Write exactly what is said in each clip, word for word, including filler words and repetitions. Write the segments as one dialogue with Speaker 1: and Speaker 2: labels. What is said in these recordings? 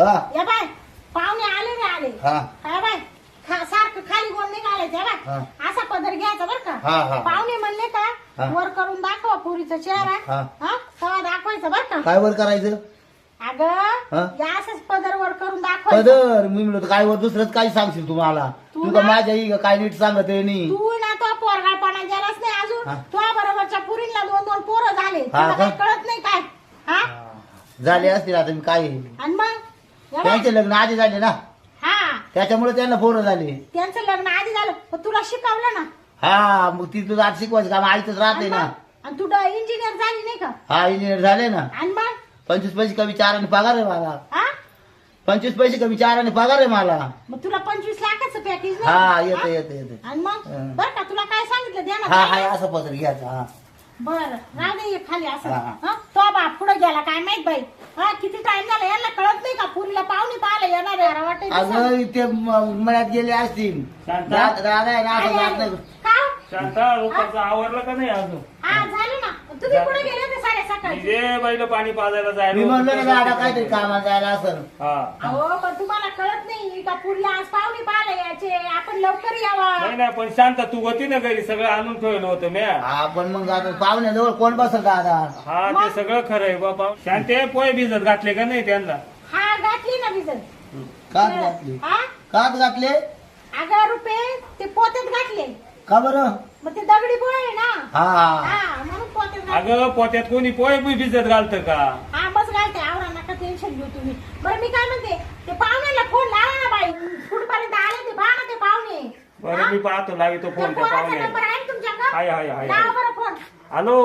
Speaker 1: हा.
Speaker 2: या बाय पाहुणे आले रे आले
Speaker 1: हा.
Speaker 2: काय बाय खा- सारखं खाली गोल नाही घालायचं बाय
Speaker 1: हा.
Speaker 2: असा पदर घ्यायचा बर
Speaker 1: हा,
Speaker 2: का
Speaker 1: हा.
Speaker 2: पाहुणे म्हणले का
Speaker 1: हा.
Speaker 2: वर करून दाखवा पुरीचा चेहरा
Speaker 1: हा.
Speaker 2: हा तेव्हा दाखवायचं बर का
Speaker 1: काय वर करायचं
Speaker 2: अगं
Speaker 1: हा?
Speaker 2: या असंच पदर वर करून दाखवायचं
Speaker 1: पदर मी म्हणतो काय वर दुसरंच काय सांगशील तुम्हाला
Speaker 2: तू
Speaker 1: तू का
Speaker 2: ना-
Speaker 1: माझ्या आई का काय नीट सांगत आहे नाही
Speaker 2: तू ना तो पोरगाळपणा गेलाच नाही अजून
Speaker 1: हा.
Speaker 2: तुझ्या बरोबरच्या पुरीला दोन दोन पोरं झाले
Speaker 1: हा
Speaker 2: तुला काही
Speaker 1: का?
Speaker 2: कळत नाही काय हा
Speaker 1: झाले असतील आता मी काय
Speaker 2: आणि मग या बाय.
Speaker 1: त्यांचे लग्न आधी झाले ना
Speaker 2: हा
Speaker 1: त्याच्यामुळे त्यांना पोरं झाले
Speaker 2: त्यांचं लग्न आधी झालं पण तुला शिकवलं ना
Speaker 1: हा मग ती तुझं आज शिकवायचं काम आईतच राहते
Speaker 2: आणि
Speaker 1: ना
Speaker 2: मग? आणि तू इंजिनियर झाली नाही का
Speaker 1: हा इंजिनियर झाले ना
Speaker 2: आणि मग
Speaker 1: पंचवीस पैसे कमी चार आणि पगार आहे मला
Speaker 2: हा
Speaker 1: पंचवीस पैसे कमी चार आणि पगार आहे मला
Speaker 2: मग तुला पंचवीस लाखाचं पॅकेज
Speaker 1: हा येते येते येते
Speaker 2: आणि मग
Speaker 1: हं.
Speaker 2: बर का तुला काय सांगितलं द्या
Speaker 1: हा
Speaker 2: ना
Speaker 1: हा असं पत्र घ्यायचं हा
Speaker 2: बर राहू दे हे खाली असं
Speaker 1: हा.
Speaker 2: हं? तो बाप पुढे गेला काय माहित बाई हा किती टाइम झाला यांना कळत नाही का पुरीला पाहुणे पाहायला येणार आहे वाटत
Speaker 1: अगं इथे म- मळ्यात गेले असतील
Speaker 3: शांता?
Speaker 1: रा- राधा आहे ना असं जात नाही.
Speaker 3: शांता रुपाचं आवरलं का नाही अजून
Speaker 2: हा झालं ना तुम्ही कुठे गेले होते साडे सकाळी
Speaker 3: जे बैल पाणी पाजायला
Speaker 1: मी
Speaker 3: जायला
Speaker 1: म्हणलो ना दादा
Speaker 3: होतं.
Speaker 1: काहीतरी कामाला जायला असं
Speaker 3: हा
Speaker 2: अहो पण तुम्हाला कळत नाही का पुरीला आज पाहुणे पाहायला यायचे आपण लवकर यावा
Speaker 3: नाही नाही पण शांता तू होती ना घरी सगळं आणून ठेवलं होतं म्या
Speaker 1: हा पण मग आता पाहुण्याजवळ कोण बसल दादा
Speaker 3: हा ते सगळं खरं आहे बाबा शांते पोहे भिजत घातले का नाही त्यांना
Speaker 2: हा घातली ना भिजत
Speaker 1: कात घातले
Speaker 2: हा
Speaker 1: कात घातले
Speaker 2: अगं रुपये ते पोत्यात घातले
Speaker 1: का बरं
Speaker 2: मग ते दगडी पोहे आहे ना
Speaker 1: हा
Speaker 2: हा म्हणून पोत्यात घातले
Speaker 3: अगं पोत्यात कोणी पोहे बी भिजत घालतं का
Speaker 2: हा बस घालते आवरा नका टेन्शन घेऊ तुम्ही बरं मी काय म्हणते ते पाहुण्याला फोन लावा ना बाई कुठपर्यंत आले ते पहा ना ते पाहुणे
Speaker 3: बरं मी पाहतो लावी तो
Speaker 2: त्या
Speaker 3: फोन त्या
Speaker 2: पोराचा
Speaker 3: पाहुणे
Speaker 2: नंबर आहे ना तुमच्याकडे
Speaker 3: हाय हाय हाय
Speaker 2: लावा बरं फोन
Speaker 3: हॅलो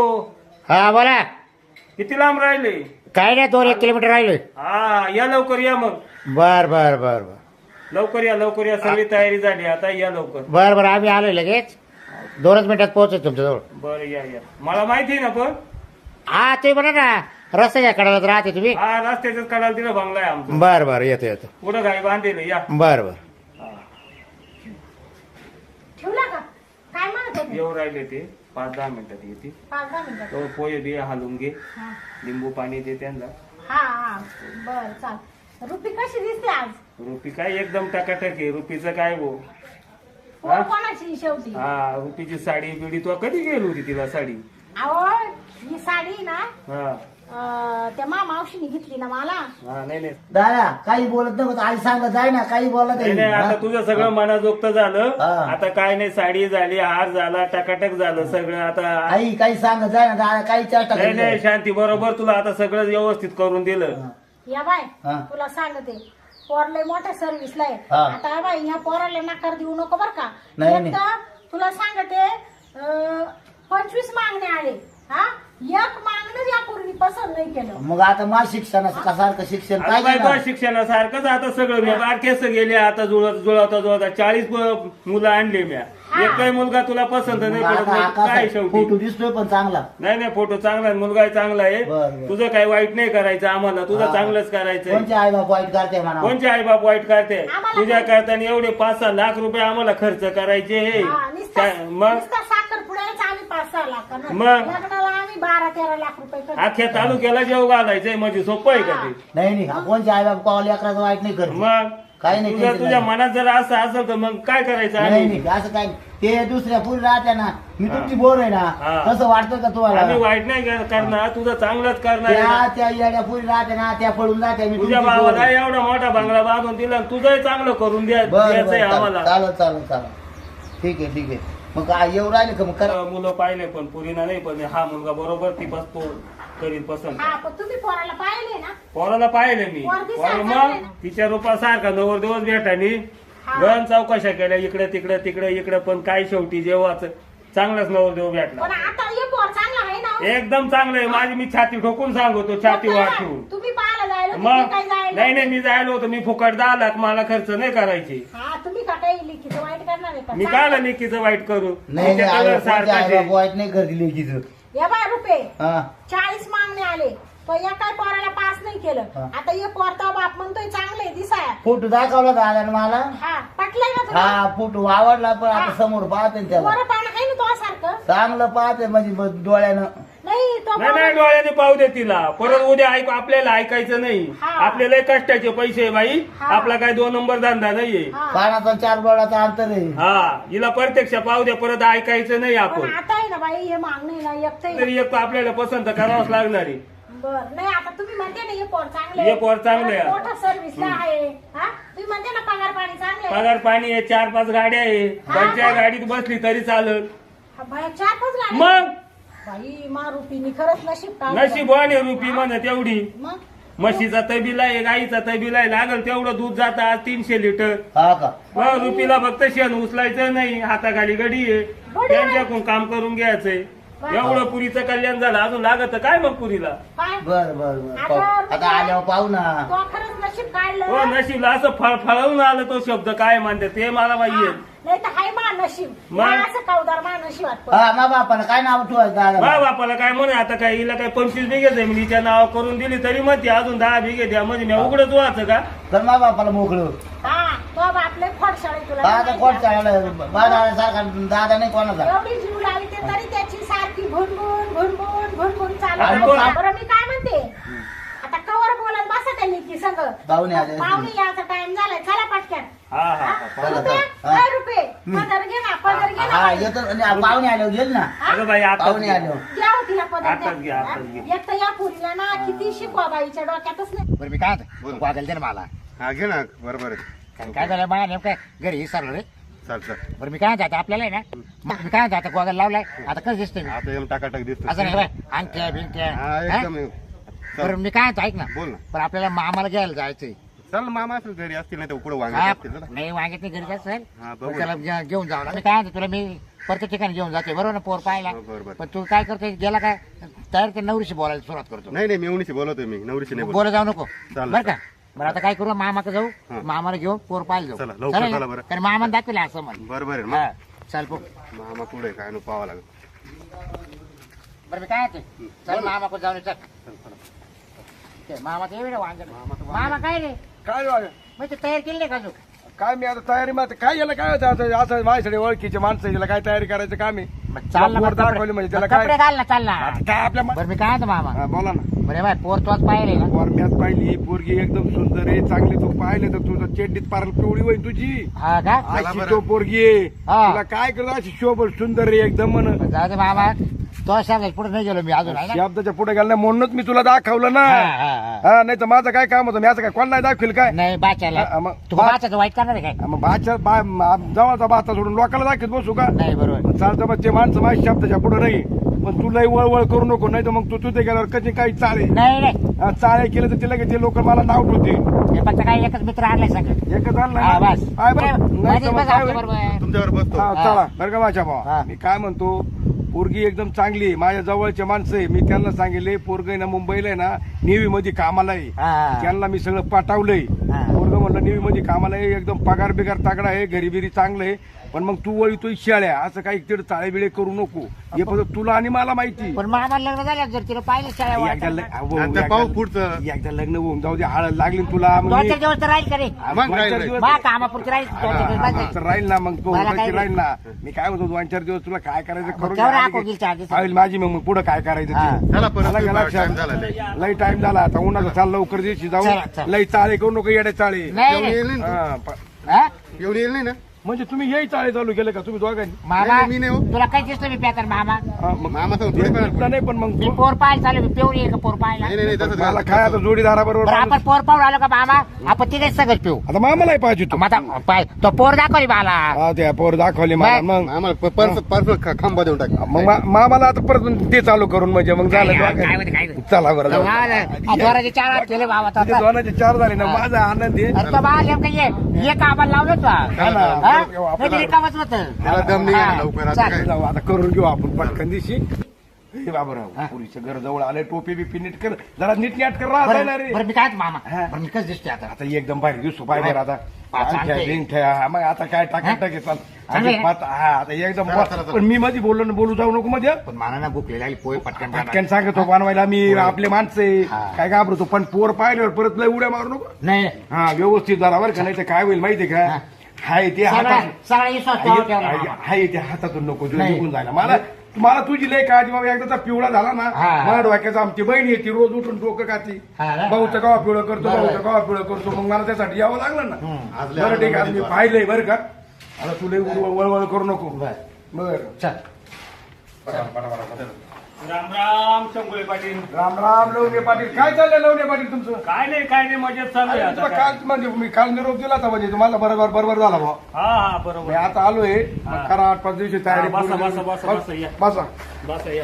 Speaker 4: हा बोला
Speaker 3: किती लांब राहिले
Speaker 4: काय नाही दोन एक किलोमीटर राहिले
Speaker 3: हा या लवकर या मग
Speaker 4: बर बर बर बर
Speaker 3: लवकर या लवकर या सगळी तयारी झाली आता या लवकर
Speaker 4: बर बर आम्ही आलोय लगेच दोनच मिनिटात पोहोचतो तुमच्याजवळ
Speaker 3: बरं या या मला माहिती आहे ना पण
Speaker 4: हा ते बरं ना रस्त्याच्या कडाला राहते तुम्ही
Speaker 3: हा रस्त्याच्याच कडाला तिला बंगला आहे आमचा
Speaker 4: बर बर येतो येतो
Speaker 3: पुढं गाई बांधेल या
Speaker 4: बर बर
Speaker 2: ठेवला का काय म्हणत होते
Speaker 3: येऊ राहिले ते पाच दहा मिनिटात येते
Speaker 2: पाच दहा मिनिटं
Speaker 3: तो पोहे बी हलवून घे
Speaker 2: हा
Speaker 3: लिंबू पाणी दे त्यांना
Speaker 2: हा हा बर चाल रुपी कशी दिसते आज
Speaker 3: रुपी काय एकदम टकाटक आहे रुपीचं काय गो
Speaker 2: पोर कोणाची शेवटी
Speaker 3: हा रुपीची साडी बिडी तू कधी गेली होती तिला साडी
Speaker 2: अहो ही साडी ना
Speaker 3: हा
Speaker 2: अं, त्या मा मावशीने घेतली ना मला
Speaker 3: हा नाही नाही
Speaker 1: दादा काही बोलत नको आई सांगत जाय ना काही बोलत
Speaker 3: नाही, नाही, आता तुझं सगळं मनाजोगत झालं
Speaker 1: हा.
Speaker 3: आता काय नाही साडी झाली हार झाला टकाटक झालं सगळं आता
Speaker 1: आई काही सांगत जाय ना दादा काही चर्चा
Speaker 3: नाही नाही
Speaker 1: करू
Speaker 3: शांती बरोबर तुला आता सगळं व्यवस्थित करून दिलं
Speaker 2: या बाय
Speaker 1: हा.
Speaker 2: तुला सांगते पोरले मोठ्या सर्व्हिसला आहे
Speaker 1: हा.
Speaker 2: आता या बाई ह्या पोराला नकार देऊ नको बर का
Speaker 1: नाही,
Speaker 2: एक
Speaker 1: नाही.
Speaker 2: तर तुला सांगते अं, पंचवीस मागणे आले हा एक मागणं या पूर्वी पसंत नाही केलं
Speaker 1: मग आता माझ शिक्षणाचं का सारखं शिक्षण
Speaker 3: आता
Speaker 1: पाहिजे
Speaker 3: बाई
Speaker 1: ना
Speaker 3: तो शिक्षणासारखंच आता सगळं मी बारकेस गेले आता जुळत जुळवता जुळवता चाळीस मुलं आणले म्या
Speaker 2: हा.
Speaker 3: एकही मुलगा तुला पसंत नाही
Speaker 1: मग
Speaker 3: पडत
Speaker 1: आता
Speaker 3: मग काय
Speaker 1: आकाश फोटो
Speaker 3: शेवटी
Speaker 1: दिसतोय पण चांगला
Speaker 3: नाही नाही फोटो चांगला आहे मुलगा चांगला आहे
Speaker 1: बरं, बरं.
Speaker 3: तुझं काही वाईट नाही करायचं आम्हाला तुझं
Speaker 1: हा.
Speaker 3: चांगलंच करायचंय
Speaker 1: कोणते आई बाप वाईट करते म्हणा
Speaker 3: कोणचे आई बाप वाईट करते
Speaker 2: आम्हाला
Speaker 3: तुझ्या करताना एवढे पाच सहा लाख रुपये आम्हाला खर्च करायचे हे
Speaker 2: हा, नुसता
Speaker 3: काय- मग
Speaker 2: नुसता साखर पुढ्याच आम्ही पाच सहा लाख
Speaker 3: मग?
Speaker 2: लग्नाला आम्ही बारा तेरा लाख रुपये खर्च
Speaker 3: अख्ख्या तालुक्याला जेव घालायचंय म्हणजे सोपं आहे का ते
Speaker 1: नाही नाही कोणते आई बाप कॉल लेकराचं वाईट नाही करत
Speaker 3: मग
Speaker 1: काही नाही,
Speaker 3: तुझ्या
Speaker 1: काही
Speaker 3: तुझ्या
Speaker 1: नाही.
Speaker 3: मनात जर असं असेल तर मग काय करायचं
Speaker 1: नाही
Speaker 3: आम्ही
Speaker 1: नाही असं काय ते दुसऱ्या पुरी राहत्या ना मी
Speaker 3: हा.
Speaker 1: तुमची बोर आहे ना
Speaker 3: हा.
Speaker 1: तसं वाटतं का
Speaker 3: आम्ही
Speaker 1: तुम्हाला
Speaker 3: वाईट नाही कर- करणार तुझं चांगलंच करणार आहे
Speaker 1: त्या
Speaker 3: ना.
Speaker 1: त्या येड्या पुरी राहत्या ना त्या पडून जात्या मी
Speaker 3: तुझ्या
Speaker 1: तुमची बोर
Speaker 3: भावाला
Speaker 1: आहे.
Speaker 3: एवढा मोठा बंगला बांधून दिला तुझंही चांगलं करून द्या
Speaker 1: बरं
Speaker 3: द्यायचंय
Speaker 1: बरं
Speaker 3: आम्हाला
Speaker 1: चालेल चालेल चालेल ठीक आहे ठीक आहे मग काय येऊ राहिले का मग करा
Speaker 3: मुलं पाहिले पण पुरीना नाही पण हा मुलगा बरोबर ती बसतो करील पसंत
Speaker 2: हा पण तुम्ही पोराला पाहिले ना
Speaker 3: पोराला पाहिले मी
Speaker 2: पोर दिसायला
Speaker 3: पोर
Speaker 2: चांगलं आहे
Speaker 3: मग
Speaker 2: ना?
Speaker 3: तिच्या रूपासारखा नवर दिवस भेटानी
Speaker 2: हा.
Speaker 3: गण चौकशा केल्या इकडे तिकडे तिकडे इकडे पण काय शेवटी जेव्हाच चांगलाच नवर देव भेटला
Speaker 2: पण आता हे पोर चांगला आहे ना
Speaker 3: एकदम चांगलं आहे माझी मी छाती ठोकून सांगतो छाती
Speaker 2: मग
Speaker 3: वाट
Speaker 2: काय?
Speaker 3: ठेवून
Speaker 2: तुम्ही पाहायला जायला
Speaker 3: मग
Speaker 2: तुम्ही काय जायला
Speaker 3: नाही नाही मी जायला होतो मी फुकट दहा लाख मला खर्च नाही करायचे
Speaker 2: हा तुम्ही का काही लिखित वाईट करणार आहे का
Speaker 3: मी काय लेकीचं वाईट करू
Speaker 1: नाही
Speaker 3: तिच्या
Speaker 1: नाही
Speaker 3: कलर
Speaker 1: आई बाप
Speaker 3: सारखाच
Speaker 1: आई
Speaker 3: आहे.
Speaker 1: बाप वाईट नाही करते लेकीचं
Speaker 2: या बाय रुपये
Speaker 1: हा
Speaker 2: चाळीस मागणे आले तो या काय पोराला पास नाही केलं
Speaker 1: हा.
Speaker 2: आता हे पोर तो बाप म्हणतोय चांगले दिसाया
Speaker 1: फोटो दाखवला दादा मला
Speaker 2: हा पटलंय ना तुला
Speaker 1: हा फोटो आवडला पण आता
Speaker 2: हा.
Speaker 1: समोर पाहते ना त्याला
Speaker 2: पोरं पाहणं आहे ना तो सारखं
Speaker 1: चांगलं पाहते म्हणजे ब- डोळ्यानं
Speaker 2: नाही तो
Speaker 3: नाही नाही
Speaker 2: पाहुणा-
Speaker 3: डोळ्याने पाहू दे तिला परत उद्या ऐक आपल्याला ऐकायचं नाही
Speaker 2: हा.
Speaker 3: आपल्याला कष्टाचे पैसे आहे बाई
Speaker 2: हा.
Speaker 3: आपला काही दोन नंबर धंदा नाहीये
Speaker 2: हा.
Speaker 1: पाण्याचा चार बोळाचा अंतर आहे.
Speaker 3: हा हिला प्रत्यक्ष पाहू दे परत ऐकायचं नाही
Speaker 2: पण
Speaker 3: आपण
Speaker 2: आता आहे ना बाई हे मागणी ना एकटं
Speaker 3: तरी एक आपल्याला पसंत करावंच लागणार आहे
Speaker 2: बर नाही आता तुम्ही म्हणते ना हे पोर चांगले
Speaker 3: हे पोर चांगले आहे.
Speaker 2: मोठा सर्व्हिसला आहे हा तुम्ही म्हणते ना पगार पाणी चांगले आहे.
Speaker 3: पगार पाणी आहे चार पाच गाड्या आहे
Speaker 2: हा.
Speaker 3: कोणत्या गाडीत बसली तरी चालत
Speaker 2: हा, बाया चार पाच गाड्या.
Speaker 3: मग
Speaker 2: बाई मा रुपीनी खरंच नशीब काढलं.
Speaker 3: नशिबाने रुपी म्हण तेवढी
Speaker 2: मग
Speaker 3: म्हशीचा तबीला आहे गाईचा तबीला आहे लागल तेवढं दूध जातं आज तीनशे लिटर
Speaker 1: हा का
Speaker 3: मग रुपीला फक्त शेण उचलायचं नाही हाताखाली गडी आहे
Speaker 2: गडी आहे.
Speaker 3: त्यांच्याकडून काम करून घ्यायचंय
Speaker 2: वा.
Speaker 3: एवढं पुरीचं कल्याण झालं अजून लागत काय मग पुरीला
Speaker 2: काय
Speaker 1: बर बर बर
Speaker 2: आता
Speaker 1: पाहू. आता आल्यावर पाहू ना
Speaker 2: तो खरंच नशीब काढलं
Speaker 3: हो नशीबला असं फळ फळवून आलं तो शब्द काय म्हणते ते मला माहिती आहे
Speaker 2: नाही तर हाय मा नशीब
Speaker 3: मग?
Speaker 2: मा असं कावदार मा नशीब
Speaker 1: हा मा बापाला काय नाव ठेवायचं
Speaker 3: बा
Speaker 1: दादा
Speaker 3: बापाला काय म्हणे आता काय हिला काय पंचवीस बिघे जमिनीच्या नाव करून दिली तरी म्हणते अजून दहा बिघे द्या म्हणजे मी उघडच व्हायचं का
Speaker 1: तर मा बापाला मोकळं
Speaker 2: हा तो बापले खोडशाळे तुला
Speaker 1: हा आता कोण चालला बाळा सारखा दादा नाही कोणाचा
Speaker 2: एवढी जीव लावी ते तरी त्याची सारखी भुनभुन भुनभुन भुनभुन चालू
Speaker 1: आणि
Speaker 2: आहे.
Speaker 1: मग काय?
Speaker 2: बरं मी काय म्हणते आता कवर बोलत बसा त्यांनी की संग
Speaker 1: पाहुणे आले.
Speaker 2: पाहुणे याचा टाइम झालाय चला पटक्यान
Speaker 3: हा हा
Speaker 2: हा?
Speaker 3: हा
Speaker 1: चला,
Speaker 2: रुपये?
Speaker 1: चला.
Speaker 2: काय रुपये पदर घे ना पदर घे ना
Speaker 1: हा
Speaker 2: बाई.
Speaker 1: येतो आणि पाहुणे आल्यावर घेईल ना
Speaker 3: अगं बाई आता
Speaker 1: पाहुणे आल्यावर
Speaker 2: द्या हो तिला पदर
Speaker 3: आताच घे,
Speaker 2: द्या.
Speaker 3: आताच घे.
Speaker 2: हा? एक तर या पुरीला ना किती शिकवा बाईच्या डोक्यातच नाही
Speaker 4: बरं मी काय म्हणतो वागेल दे ना मला
Speaker 5: हा घे ना बरोबर आहे
Speaker 4: कारण काय झालं मला नेमकं घरी विसरलो रे
Speaker 5: चल चल
Speaker 4: बरं मी काय म्हणतो आता आपल्याला आहे ना मग मी काय म्हणतो आता गोगल लावलाय आता कसं दिसतंय मी
Speaker 5: आता एकदम टाकाटाक दिसतो
Speaker 4: असं नाही बाय अंगठ्या बिंक्या
Speaker 5: हा
Speaker 4: हा?
Speaker 5: एकदम
Speaker 4: बरं मी काय म्हणतो ऐक ना
Speaker 5: बोल ना
Speaker 4: पण आपल्याला मामाला घ्यायला जायचंय
Speaker 5: चल मामा असेल घरी असतील नाही तर उकडं वांगे
Speaker 4: हा,
Speaker 5: असतील ना
Speaker 4: नाही वांग्यात नाही घरी असेल
Speaker 5: हा,
Speaker 4: पण
Speaker 5: बघू
Speaker 4: त्याला घे- घेऊन जाऊ ना मी काय म्हणतो तुला मी प्रत्येक ठिकाणी घेऊन जाते बरोबर ना पोर पाहायला
Speaker 5: हो, बरोबर.
Speaker 4: पण तू काय करतोय गेला काय तयार ते नवरीशी बोलायला सुरुवात करतो
Speaker 5: नाही नाही मेवणीशी बोलवतोय मी नवरीशी नाही बोलत
Speaker 4: बोला जाऊ नको
Speaker 5: चालेल.
Speaker 4: बरं का बरं आता काय करू मामाकडे जाऊ
Speaker 5: हा.
Speaker 4: मामाला घेऊन पोर पाहायला जाऊ
Speaker 5: चला, लवकर
Speaker 4: चालेल ना?
Speaker 5: चला बरं.
Speaker 4: कारण मामा दाखवले असं म्हण
Speaker 5: बरोबर आहे
Speaker 4: हा
Speaker 5: मग
Speaker 4: चल पो
Speaker 5: मामा पुढे काय नु पाहावं लागेल
Speaker 4: बरं मी काय म्हणते चल मामाकडे जाऊन ये, चल ते मामा ते येईल वांग मामा काय रे
Speaker 6: काय वाग
Speaker 4: मग ते तयार केली नाही का अजून?
Speaker 6: काय मी आता तयारी मग काय याला काय होतं आता असं माझ्याकडे ओळखीचे माणसं याला काय तयारी करायचं काम आहे
Speaker 4: मग चाल ना
Speaker 6: वर
Speaker 4: मग
Speaker 6: दाखवली
Speaker 4: कपडे
Speaker 6: म्हणजे त्याला
Speaker 4: मग कपडे
Speaker 6: काय
Speaker 4: घाल ना चाल ना
Speaker 6: आता काय आपल्या मा-
Speaker 4: बरं मी काय म्हणतो मामा
Speaker 6: हा, बोला ना
Speaker 4: बरे बाय पोर तोच पाहिले ना
Speaker 6: वर मॅच पाहिली ही पोरगी एकदम सुंदर आहे चांगली तू पाहिले तर तुझं चेड्डीत पार पिवळी होईल तुझी
Speaker 4: हा का
Speaker 6: अशी
Speaker 5: बरं.
Speaker 6: तो पोरगी आहे
Speaker 4: हा.
Speaker 6: तुला काय करतो अशी शोभ सुंदर आहे एकदम म्हण
Speaker 4: जाऊ दे मामा तो सांगायचं पुढे नाही गेलो मी अजून आहे ना?
Speaker 6: शब्दाच्या पुढे गेला नाही म्हणूनच मी तुला दाखवलं ना
Speaker 4: हा, हा, हा.
Speaker 6: हा नाही तर माझं काय काम होतं मी असं काय कोण नाही दाखवेल काय
Speaker 4: नाही बाच्याला
Speaker 6: हा, मग
Speaker 4: तू
Speaker 6: बा-
Speaker 4: बाच्याचं वाईट करणार आहे काय
Speaker 6: हा, मग भाच्या बा मा- जवळचा भाता सोडून लोकांना दाखवत बसू का
Speaker 4: नाही बरोबर
Speaker 6: चालतं मग ते माणसं माझ्या शब्दाच्या पुढे नाही पण तू लई वळवळ करू नको नाही तर मग तू तुझे गेल्यावर कधी काही चाळे
Speaker 4: नाही नाही
Speaker 6: हा, चाळे केले तर तिला ते लोक मला नाव ठेवतील
Speaker 4: हे फक्त काय एकच मित्र आणलाय सगळं
Speaker 6: एकच आणलं
Speaker 4: हा,
Speaker 6: ना?
Speaker 4: बस
Speaker 6: काय बरं? नाही
Speaker 4: मध्येच
Speaker 6: तर मग
Speaker 4: बस
Speaker 6: काय
Speaker 4: आमच्या
Speaker 6: होईल?
Speaker 4: बरोबर.
Speaker 5: तुमच्यावर बसतो
Speaker 6: हा, चला बरं का माझ्या
Speaker 4: हा.
Speaker 6: भावा मी काय म्हणतो पोरगी एकदम चांगली आहे. माझ्या जवळचे माणसं आहे मी त्यांना सांगितले पोरग ना मुंबईला आहे ना नेव्ही मध्ये कामाला आहे
Speaker 4: हा, हा.
Speaker 6: त्यांना मी सगळं पाठवलंय
Speaker 4: हा.
Speaker 6: पोरग म्हणलं नेव्ही मध्ये कामाला आहे एकदम पगार बिगार तागडा आहे घरी बिरी चांगलं आहे पण मग तू वळी तो शाळ्या असं काही तिकडे चाळे बिळे करू नको हे फक्त तुला आणि मला माहिती
Speaker 4: पण मग आम्हाला लग्न झालं जर तिला पाहिलं शाळा
Speaker 6: एकदा
Speaker 4: वाटत.
Speaker 6: लग- अहो,
Speaker 5: आणि त्या
Speaker 6: एकदा-
Speaker 5: पाहू पुढचं.
Speaker 6: एकदा लग्न होऊन जाऊ दे हळद लागली ना तुला मग
Speaker 4: दोन
Speaker 6: मी-
Speaker 4: चार दिवस तर राहील का रे
Speaker 5: मग
Speaker 6: दोन
Speaker 5: राहील,
Speaker 6: चार
Speaker 5: राहील.
Speaker 6: दिवस-
Speaker 4: मा कामापुरती राहील दोन चार दिवस
Speaker 6: हा,
Speaker 4: बस
Speaker 6: तर राहील ना मग तो
Speaker 4: मला काय
Speaker 6: उगाच राहील ना मी काय म्हणतो दोन चार दिवस तुला काय करायचं करून
Speaker 4: केवढं
Speaker 6: घे.
Speaker 4: आखो गेल चार दिवस?
Speaker 6: पाहिलं माझी मग पुढे काय करायचं
Speaker 4: हा.
Speaker 6: ते.
Speaker 5: चला परत
Speaker 6: मला
Speaker 5: तुम्ही
Speaker 6: का लक्षात?
Speaker 5: time झाला लय.
Speaker 6: लई टाइम झाला आता उन्हाचा चाल लवकर दिवशी
Speaker 4: चला,
Speaker 6: जाऊ
Speaker 4: चला.
Speaker 6: लई चाळे करू नको येडे चाळे
Speaker 4: नाही
Speaker 5: येऊन
Speaker 4: नाही.
Speaker 5: येईल ना
Speaker 6: हा, प-
Speaker 4: हा?
Speaker 5: तू? येऊन येईल नाही ना
Speaker 6: म्हणजे तुम्ही येई चाळे चालू केले का तुम्ही दोघांनी
Speaker 4: मामा
Speaker 5: नाही, मी नाही हो.
Speaker 4: तुला काय दिसलं मी प्याकर मामा
Speaker 6: हा, मग
Speaker 5: मामा सांग थोडी
Speaker 6: दिसलं
Speaker 5: पण
Speaker 6: नाही पण मग
Speaker 4: मी
Speaker 6: तू-
Speaker 4: पोर पाहायला चालू मी पेऊन येईल का पोर पाहायला
Speaker 5: नाही नाही नाही, तसं
Speaker 6: मला
Speaker 5: झालं.
Speaker 6: काय आता जोडीदारा
Speaker 4: बरं
Speaker 6: बरोबर
Speaker 4: आपण पोर पाहून आलो का मामा आपण तिथेच सगळं पिऊ
Speaker 6: आता मामालाही पाहिजे तू
Speaker 4: मग आता पाय तो पोर दाखवली मला
Speaker 6: हा त्या पोर दाखवली मला
Speaker 4: मग-
Speaker 6: मग
Speaker 5: आम्हाला पर्स पर्स खांबा देऊन टाक
Speaker 6: मग मा- मामाला आता परत ते चालू करून म्हणजे मग झालं
Speaker 4: काय- काय
Speaker 6: दोघांनी.
Speaker 4: होते, काय होते?
Speaker 6: चला बरं जाऊ.
Speaker 4: जोराचे चार हात केले बाबा
Speaker 6: तिथे दोनाचे चार झाले ना माझा आनंद आहे
Speaker 4: अरे तो बाळ नेमकं ये ये कामाला लावलं तू
Speaker 6: हा ना.
Speaker 4: हा?
Speaker 6: आपल्याला-
Speaker 4: नाही, ते रिकामंच होतं.
Speaker 5: त्याला दम नाही
Speaker 4: हा,
Speaker 5: आला लवकर आता
Speaker 4: चाल.
Speaker 5: काय
Speaker 6: जाऊ आता करून घेऊ आपण पटकन दिवशी हे बाबूराव पुरीचं घर जवळ आले टोपी बिपी नीट कर जरा नीट नीट कर राहता
Speaker 4: बरं
Speaker 6: ना रे
Speaker 4: बरं, मी काय म्हणतो मामा
Speaker 6: हा.
Speaker 4: बरं, मी कसं दिसते आता
Speaker 6: आता एकदम भारी दिसू पाहिजे आता
Speaker 4: हा, चालतंय.
Speaker 6: अंगठ्या, बिंगठ्या, हा, मग आता काय टाका
Speaker 4: हा?
Speaker 6: टाके चाल
Speaker 4: चांगलं आहे.
Speaker 6: अजिबात, हा आता एकदम
Speaker 5: चला, चला, चला.
Speaker 6: पण मी मध्ये बोललो ना बोलू जाऊ नको मध्ये
Speaker 4: पण मला ना भूक लागली पोहे पटकन
Speaker 6: पटकन सांगतो बनवायला मी आपले माणसं आहे.
Speaker 4: हा.
Speaker 6: काय घाबरतो पण पोर पाहिल्यावर परत लय उड्या मारू नको
Speaker 4: नाही
Speaker 6: हा व्यवस्थित जरा बरं का नाही तर काय होईल माहितीये का
Speaker 4: हा.
Speaker 6: हाय ते
Speaker 4: सगळा
Speaker 6: हातात
Speaker 4: सगळा विश्वास ठेवा ठेवला
Speaker 6: हाय
Speaker 4: मामा.
Speaker 6: हाय ते हातातून नको जो
Speaker 4: नाही.
Speaker 6: निघून जायला मला मला तुझी लय काळजी बाबा एकदाचा पिवळा झाला ना
Speaker 4: हा.
Speaker 6: मला डोक्याचं आमची बहीण येते रोज उठून डोकं खाती
Speaker 4: हा ना?
Speaker 6: भाऊचं गावा पिवळं करतो
Speaker 4: बरोबर.
Speaker 6: भाऊचं गावा पिवळं करतो मग मला त्यासाठी यावं लागलं ना
Speaker 4: हम्म.
Speaker 5: आज लय
Speaker 6: बरं ठीक आहे आज मी
Speaker 5: आनंद
Speaker 6: पाहिलंय बरं का आता तुला वळवळ करू नको
Speaker 4: बर
Speaker 6: बरं
Speaker 4: चल
Speaker 3: राम राम शंभुळे पाटील
Speaker 6: राम राम लवणे पाटील काय चाललंय लवणे पाटील तुमचं
Speaker 3: काय नाही काय नाही मजेत चालू आहे
Speaker 6: अरे,
Speaker 3: आता
Speaker 6: तुला
Speaker 3: काय.
Speaker 6: काल म्हणजे मी काल निरोप दिला होता म्हणजे तुम्हाला बरोबर बरोबर झाला भाऊ
Speaker 3: हा हा
Speaker 6: मी
Speaker 3: बरोबर
Speaker 6: आता आलोय
Speaker 3: हा.
Speaker 6: मग करा आठ पाच दिवशी तयारी
Speaker 3: हा, बसा,
Speaker 6: पूर्ण
Speaker 3: बसा, बसा, बसा, या.
Speaker 6: बसा
Speaker 3: बस या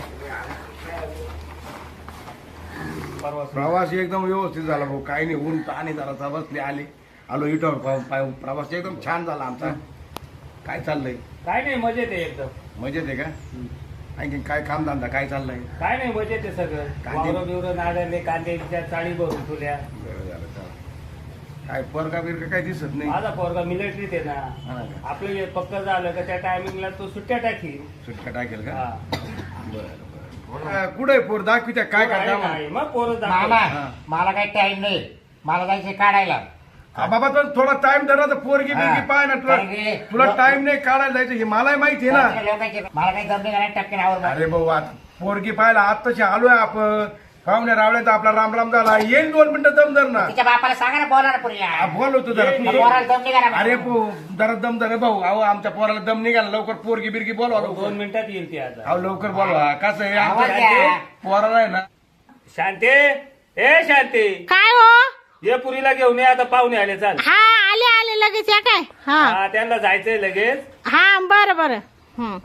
Speaker 3: परवा
Speaker 6: प्रवास एकदम व्यवस्थित झाला भाऊ काही नाही ऊन आणि जरा बसले आले आलो इथं प्रवास एकदम छान झाला आमचा काय चाललंय
Speaker 3: काय नाही मजेत आहे एकदम
Speaker 6: मजेत आहे का आणखी काय कामधंदा काय चाललंय
Speaker 3: काय नाही मजेत आहे सगळं
Speaker 6: कांदे-
Speaker 3: वावरं बिवरं नाड्याने कांद्याच्या चाळी भरून ठेवल्या
Speaker 6: बरं झालं चालेल. काय परका बिरका काय दिसत नाही
Speaker 3: माझा पोरगा मिलिटरीत आहे
Speaker 6: हा
Speaker 3: ना
Speaker 6: का?
Speaker 3: आपलं हे पक्क झालं का त्या टायमिंगला तो सुट्ट्या टाकी
Speaker 6: सुटका टाकेल का
Speaker 3: हा.
Speaker 6: बरं कुठे पोर दाखवित्या काय
Speaker 3: आहे,
Speaker 6: करता
Speaker 3: आहे. मग पोरं
Speaker 4: मामा
Speaker 3: दाखव.
Speaker 6: हा.
Speaker 4: मला काही टाइम नाही मला जायचं काढायला
Speaker 6: बाबा पण थोडा टाइम धरा तर पोरगी बिरगी पाय ना तुला
Speaker 4: कारण की-
Speaker 6: तुला टाइम नाही काढायला जायचं हे मलाही माहिती आहे ना
Speaker 4: लोकांचे मला काही जमले का नाही टपके नावर
Speaker 6: अरे भाऊ आता पोरगी पाहायला आत्ताशी आलोय आपण पाहुण्या रावल्याचा आपला राम राम झाला येईल दोन मिनिटं दम धर ना
Speaker 4: तिच्या बापाला सांगा ना बोला ना पुरीला
Speaker 6: हा, बोल होतो जरा
Speaker 3: ये,
Speaker 6: तू.
Speaker 3: ये.
Speaker 4: पोराला दम निघा ना
Speaker 6: अरे पो जरा दम धर रे भाऊ अहो आमच्या पोराला दम निघाला लवकर पोरगी बिरगी बोलवा
Speaker 3: दोन
Speaker 6: लवकर
Speaker 3: मिनिटात येईल ती आता
Speaker 6: अहो लवकर बोलवा कसं आहे
Speaker 4: आवाज
Speaker 6: आमच्या
Speaker 4: द्या.
Speaker 6: पोराला आहे ना
Speaker 3: शांती ए शांती
Speaker 2: काय हो
Speaker 3: ये पुरीला घेऊन ये आता पाहुणे आले चाल
Speaker 2: हा आले आले लगेच या काय हा
Speaker 3: हा त्यांना जायचंय लगेच
Speaker 2: हा बरं बरं हं.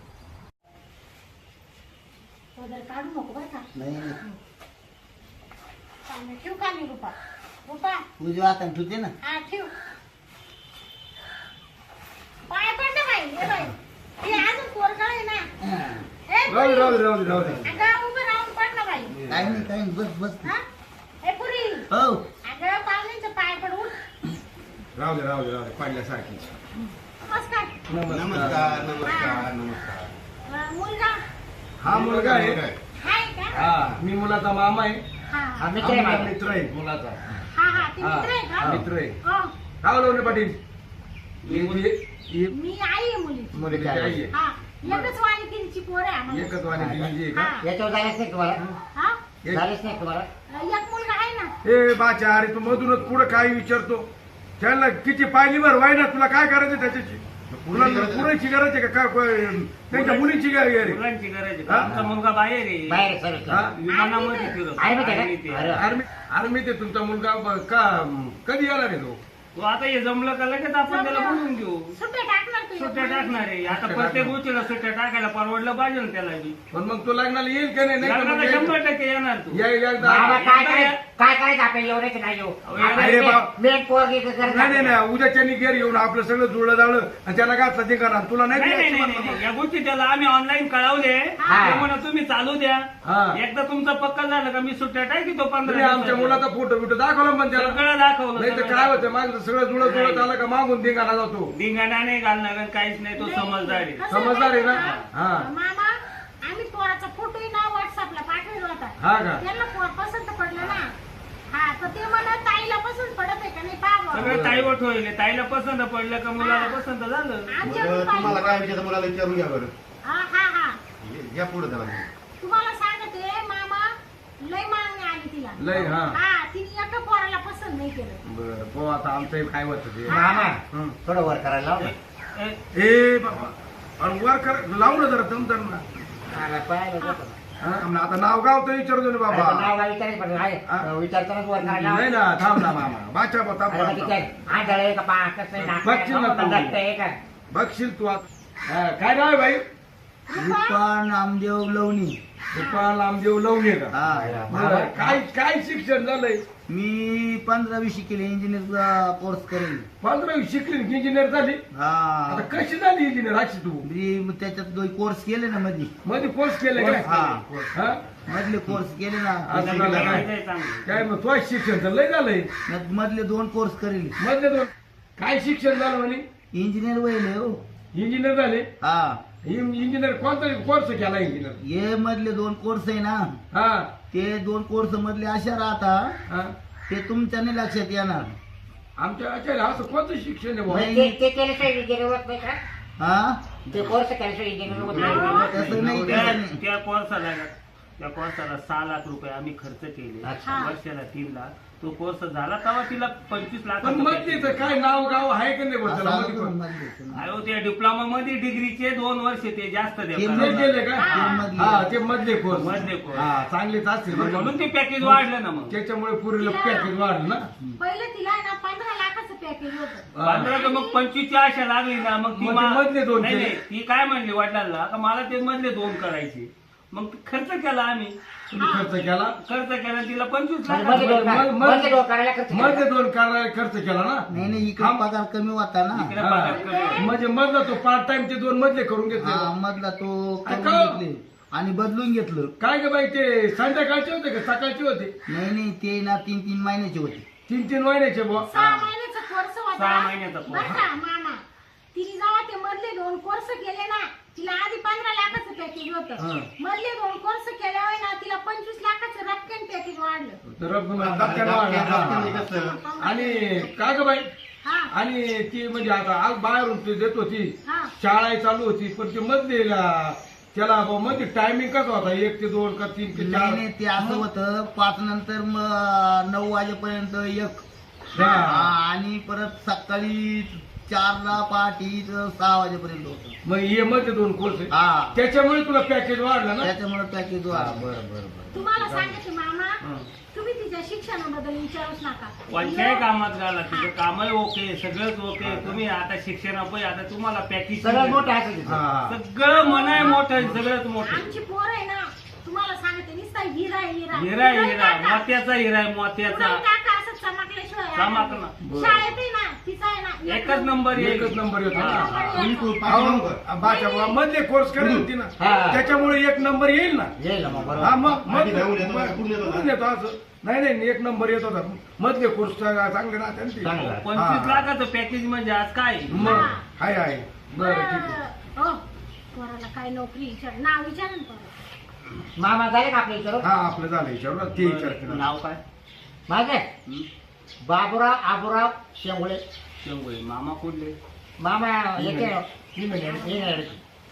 Speaker 2: पदर काढू नको बरं का
Speaker 1: नाही
Speaker 2: चालेल, ठेवू का मी रुपा रुपा
Speaker 1: उजव्या हाताने ठेवते ना
Speaker 2: हा ठेव पाय पड ना बाई हे बाई हे अजून पोरगळ आहे ना ए,
Speaker 6: राहू दे
Speaker 2: पुरी.
Speaker 6: राहू दे राहू दे राहू दे
Speaker 2: अगं उभं राहून पड ना बाई
Speaker 1: काही नाही काही नाही बस बस
Speaker 2: हा ए पुरी
Speaker 1: हो
Speaker 2: अगं पाहुण्यांचं पाय पड उठ
Speaker 6: राहू दे राहू दे राहू दे पाडल्यासारखी
Speaker 2: नमस्कार
Speaker 5: नमस्कार नमस्कार नमस्कार
Speaker 2: अं, मुलगा
Speaker 6: हा मुलगा आहे
Speaker 2: हाय का
Speaker 6: हा मी मुलाचा मामा आहे
Speaker 2: हा
Speaker 4: हा मित्र आहे
Speaker 6: आमचा
Speaker 4: माझा.
Speaker 6: मित्र आहे मुलाचा
Speaker 2: हा हा ते
Speaker 6: हा,
Speaker 2: मित्र आहे
Speaker 6: हा,
Speaker 2: का
Speaker 6: मित्र आहे
Speaker 2: हो
Speaker 6: हा लोणे पाटील ही- ही- ही
Speaker 2: मी आई आहे मुलीची
Speaker 6: मुलीची आई आहे
Speaker 2: हा एकच वाणी तिची पोर आहे आम्हाला
Speaker 6: एकच वाणी दिली आहे का
Speaker 2: हा
Speaker 4: याच्यावर जायलाच नाही तुम्हाला
Speaker 2: हा
Speaker 6: एक-
Speaker 4: झालेच नाही तुम्हाला
Speaker 2: एक मुलगा आहे ना
Speaker 6: ए बाच्या अरे तू मधूनच पुढे काय विचारतो त्याला किती पाहिली बर वाय ना तुला काय करायचं त्याच्याची तुला पुरेची गरज आहे का काय काय- त्यांच्या मुलीची गरज आहे
Speaker 3: मुलांची गरज आहे
Speaker 6: हा?
Speaker 3: आमचा मुलगा बाहेर आहे
Speaker 4: बाहेर सर्व
Speaker 6: हा?
Speaker 3: विमानामध्ये फिरतो
Speaker 4: आहे माहिती आहे का?
Speaker 3: आर्मीत आहे.
Speaker 4: अरे.
Speaker 6: आर्मी आर्मी ते तुमचा मुलगा ब- का कधी येणार आहे तो
Speaker 3: तो आता हे जमलं का लगेच आपण त्याला बोलून घेऊ
Speaker 2: सुट्ट्या टाकणार तू
Speaker 3: सुट्ट्या टाकणार आहे आता प्रत्येक गोष्टीला सुट्ट्या टाकायला परवडलं पाहिजे ना त्याला बी
Speaker 6: पण मग तो लग्नाला येईल का नाही नाही तर
Speaker 3: लग्नाला
Speaker 6: मग
Speaker 3: शंभर
Speaker 6: यायचं.
Speaker 3: टक्के येणार तू
Speaker 6: या- या- एकदा-
Speaker 4: बाबा काय
Speaker 3: आता
Speaker 4: काय
Speaker 3: या-
Speaker 4: काय करायचं आपल्याला एवढे की नाही येऊ
Speaker 6: अरे बाप.
Speaker 4: मेन पोरगी
Speaker 6: नाही नाही नाही उद्याच्या घरी येऊन आपलं सगळं जुळलं जाळलं आणि त्याला घातलं ते करा तुला नाही
Speaker 3: नाही नाही
Speaker 6: द्यायचं
Speaker 3: नाही,
Speaker 6: म्हणलं.
Speaker 3: नाही. या गोष्टी त्याला आम्ही ऑनलाईन कळवले
Speaker 4: हा.
Speaker 3: ते म्हणा तुम्ही चालू द्या
Speaker 6: हा.
Speaker 3: एकदा तुमचं पक्का झालं का मी सुट्ट्या टाकी तो
Speaker 6: तुम्ही
Speaker 3: पंधरा
Speaker 6: आमच्या
Speaker 3: दिवसाचा.
Speaker 6: मुलाचा फोटो बिटो दाखवला पण त्याला
Speaker 3: सगळं दाखवलं
Speaker 6: नाही तर
Speaker 3: सगळं
Speaker 6: काय
Speaker 3: दाखवलं.
Speaker 6: होतं माझं सगळं जुळत जुळत आलं का मागून धिंगाणा जातो
Speaker 3: धिंगाणा नाही घालणार आणि काहीच नाही तो समजदार आहे
Speaker 2: कसं
Speaker 6: समजदार आहे ना?
Speaker 2: माहिती का?
Speaker 6: हा.
Speaker 2: मामा आम्ही पोराचा फोटोही ना व्हॉट्सअपला पाठवला होता
Speaker 6: हा का?
Speaker 2: त्यांना पोर पसंत पडलं ना हा तर ते म्हणत ताईला पसंत पडत आहे का नाही पाहा
Speaker 3: सगळं ताईवट होईल ताईला पसंत पडलं का मुलाला पसंत झालं
Speaker 5: बरं, तुम्हाला काय विचारतं मुलाला विचारून घ्या बरं
Speaker 2: हा हा हा
Speaker 5: ये- या पुढे त्याला
Speaker 2: तुम्हाला सांगते मामा लय मागणी आली तिला
Speaker 6: लय हा
Speaker 2: हा तिने एका पोराला पसंत नाही केलं
Speaker 6: बरं हो आता आमचं काय होतं ते
Speaker 4: मामा
Speaker 6: हं.
Speaker 4: थोडं वर करायला लाव ना.
Speaker 3: ए,
Speaker 6: ए बाबा अरे वर कर लावलं जरा दमदर ना
Speaker 4: मला पाहायला जातो ना.
Speaker 6: हा, आम्हाला आता नाव गाव तर विचारतो ना
Speaker 4: अरे पण
Speaker 6: बाबा
Speaker 4: नाव गाव विचारायचं पण आहे.
Speaker 6: हा.
Speaker 4: विचारतानाच वर करायला लाव.
Speaker 6: नाही ना थांब ना मामा बाचा बा थांब,
Speaker 4: अरे मग
Speaker 6: थांब,
Speaker 4: तिच्या
Speaker 6: थांब.
Speaker 4: आंधळ आहे का पा कसं आहे, नाक
Speaker 6: बघशील ना
Speaker 4: आहे,
Speaker 6: तू.
Speaker 4: दट्ट आहे का
Speaker 6: बघशील तू आता हा, काय नाव आहे भाई
Speaker 1: रुपा नामदेव लवणी
Speaker 6: गोपाल नामदेव लवणे का
Speaker 1: हा
Speaker 6: बरं, काय काय शिक्षण झालंय
Speaker 1: मी पंधरावी शिकेले इंजिनियरचा कोर्स करेन
Speaker 6: पंधरावी शिकली इंजिनियर झाली
Speaker 1: हा
Speaker 6: आता कशी झाली इंजिनियर अशी तू
Speaker 1: मी त्याच्यात दोन कोर्स केले ना मध्ये
Speaker 6: मध्ये कोर्स केले काय
Speaker 1: हा.
Speaker 6: हा?
Speaker 1: मधले कोर्स केले ना
Speaker 6: असं झालं काय
Speaker 3: काय चांगलं
Speaker 6: काय मग तो शिक्षण तर लय झालंय
Speaker 1: मधले दोन कोर्स करेल
Speaker 6: मधले दोन काय शिक्षण झालं म्हणे
Speaker 1: इंजिनियर वहिले हो
Speaker 6: इंजिनियर झाले
Speaker 1: हा
Speaker 6: इंजिनियर कोणता कोर्स केला इंजिनियर
Speaker 1: हे मधले दोन कोर्स आहे ना
Speaker 6: हा
Speaker 1: ते दोन कोर्स मधले अशा राहता
Speaker 6: हा
Speaker 1: ते तुमच्या नाही लक्षात येणार
Speaker 6: आमच्या आचार्य असं कोणतं शिक्षण आहे बुवा?
Speaker 1: नाही.
Speaker 4: ते ते केल्याशिवाय विचार होत नाही का
Speaker 1: हा
Speaker 4: ते कोर्स केल्याशिवाय इंजिनियर होत
Speaker 1: तसं
Speaker 4: नाही.
Speaker 1: नाही
Speaker 3: त्या
Speaker 1: तसं नाही.
Speaker 3: त्या कोर्साला त्या कोर्साला सहा लाख रुपये आम्ही खर्च केले
Speaker 4: अच्छा.
Speaker 3: वर्षाला तीन लाख. तो कोर्स झाला तेव्हा तिला पंचवीस लाख
Speaker 6: पण मधलीच काय नाव गाव आहे का नाही बरं त्याला
Speaker 1: असं
Speaker 6: मध्ये
Speaker 1: करून
Speaker 6: पण?
Speaker 1: मधले होते.
Speaker 3: अहो त्या डिप्लोमा मध्ये डिग्रीचे दोन वर्ष ते जास्त
Speaker 1: ते
Speaker 6: ते
Speaker 3: देतात
Speaker 6: गेले का
Speaker 1: ते मधले.
Speaker 6: हा ते मधले कोर्स
Speaker 3: मधले course.
Speaker 6: हा चांगलेच असतील बरं का?
Speaker 3: म्हणून ते पॅकेज वाढलं ना मग
Speaker 6: त्याच्यामुळे पुरीला पॅकेज वाढलं ना
Speaker 2: पहिलं तिला ना पंधरा लाखाचं पॅकेज होतं.
Speaker 6: हा.
Speaker 3: पंधरा तर मग पंचवीसची आशा लागली ना मग ती
Speaker 6: मग ते
Speaker 3: मा-
Speaker 6: मधले दोन
Speaker 3: नाही
Speaker 6: केले.
Speaker 3: नाही, ती काय म्हणली वडिलांना का मला ते मधले दोन करायचे. मग खर्च केला आम्ही
Speaker 6: तुम्ही खर्च केला
Speaker 3: खर्च केला तिला पंचवीस
Speaker 4: म्हणजे
Speaker 3: लाख
Speaker 4: मध्ये दोन
Speaker 6: मग-
Speaker 4: का-
Speaker 6: मग-
Speaker 4: मध्ये दोन करायला खर्च केला.
Speaker 6: मध्ये दोन करायला खर्च केला ना
Speaker 1: नाही नाही इकडे
Speaker 6: हा.
Speaker 1: पगार कमी होता ना
Speaker 3: इकडे
Speaker 6: हा.
Speaker 3: पगार कमी.
Speaker 6: म्हणजे मधला तो पार्ट टाइम ते दोन मधले करून
Speaker 1: हा
Speaker 6: घेतले
Speaker 1: मधला तो करून
Speaker 6: का?
Speaker 1: घेतले आणि बदलून घेतलं.
Speaker 6: काय ग बाई ते संध्याकाळचे होते का सकाळचे होते
Speaker 1: नाही नाही ते ना तीन तीन महिन्याचे होते.
Speaker 6: तीन तीन महिन्याचे बुवा
Speaker 2: सहा महिन्याचा कोर्स होता.
Speaker 3: सहा महिन्याचा course.
Speaker 2: बरं का मामा, तिने जेव्हा ते मधले दोन कोर्स केले ना, तिला आधी पंधरा लाखाचं पॅकेज
Speaker 6: हा.
Speaker 2: होतं. मधले दोन कोर्स केल्यावर ना तिला पंचवीस लाखाचं रक्कम पॅकेज वाढलं.
Speaker 6: तर रब्बी धक्क्यानं वाढला. हा.
Speaker 5: कसं
Speaker 6: आणि काय ग बाई
Speaker 2: हा
Speaker 6: आणि ती म्हणजे आता आज बाहेरून ती देत होती
Speaker 2: हा
Speaker 6: शाळा चालू होती पण ते मधले त्याला बुवा मध्ये टायमिंग कसा होता एक ते दोन का तीन ते
Speaker 1: नाही
Speaker 6: चार
Speaker 1: नाही ते असं होतं पाच नंतर मग नऊ वाजेपर्यंत एक
Speaker 6: हा.
Speaker 1: हा, आणि परत सकाळी चारला पहाटे सहा वाजेपर्यंत होतं.
Speaker 6: मग हे मध्ये दोन कोर्स आहे
Speaker 1: हा
Speaker 6: त्याच्यामुळे तुला पॅकेज वाढलं ना
Speaker 1: त्याच्यामुळे पॅकेज वाढ बरं बरं बरं.
Speaker 2: तुम्हाला सांगते मामा,
Speaker 3: हं.
Speaker 2: तुम्ही तिच्या शिक्षणाबद्दल विचारूच नका.
Speaker 3: कोणत्याही कामात घाला तिचं कामही ओके सगळंच ओके. तुम्ही आता शिक्षणापै आता तुम्हाला पॅकेज
Speaker 4: सगळं मोठं असं तिचं.
Speaker 6: हा.
Speaker 3: सगळं मनाय मोठं आहे, सगळंच मोठं आहे.
Speaker 2: आमची पोर आहे ना, तुम्हाला सांगते नुसता हिरा आहे, हिरा
Speaker 3: हिरा आहे,
Speaker 2: उलट
Speaker 3: हिरा
Speaker 2: टाका.
Speaker 3: मोत्याचा हिरा आहे मोत्याचा.
Speaker 2: उलट टाका, असं चमकल्याशिवाय
Speaker 3: चमकणं.
Speaker 2: आनंद. शाळेत आहे ना तिचा आहे ना
Speaker 3: एकच नंबर येईल.
Speaker 6: एकच नंबर येतो
Speaker 3: हा,
Speaker 6: ना.
Speaker 3: हा.
Speaker 5: बिलकुल पाच नंबर.
Speaker 6: अहो, बाच्या बुवा मधले कोर्स करेल होती ना
Speaker 4: हा.
Speaker 6: त्याच्यामुळे एक नंबर येईल ना
Speaker 4: येईल ना मग बरोबर.
Speaker 6: हा मग मग
Speaker 5: आधी जाऊन येतो, मग कुठून येतो ना?
Speaker 6: कुठून येतो असं नाही नाही एक नंबर येत होता मधले कोर्स चांगले राहते ना ते.
Speaker 4: चांगलं.
Speaker 3: पंचवीस
Speaker 6: हा.
Speaker 3: लाखाचं पॅकेज म्हणजे आज काय आहे?
Speaker 6: मग आहे आहे बरं ठीक आहे
Speaker 2: बरं. हो, पोराला काय नोकरी विचार, नाव विचार ना पोराला.
Speaker 4: मामा झाले का आपल्या विचार
Speaker 6: हा आपलं झालं विचार ते विचारते ना.
Speaker 3: नाव काय
Speaker 4: माझे
Speaker 3: हं?
Speaker 4: बाबूराव आबूराव शेंगुळे.
Speaker 3: शेंगोळे. मामा कुठले?
Speaker 4: मामा येते इंग्लंड.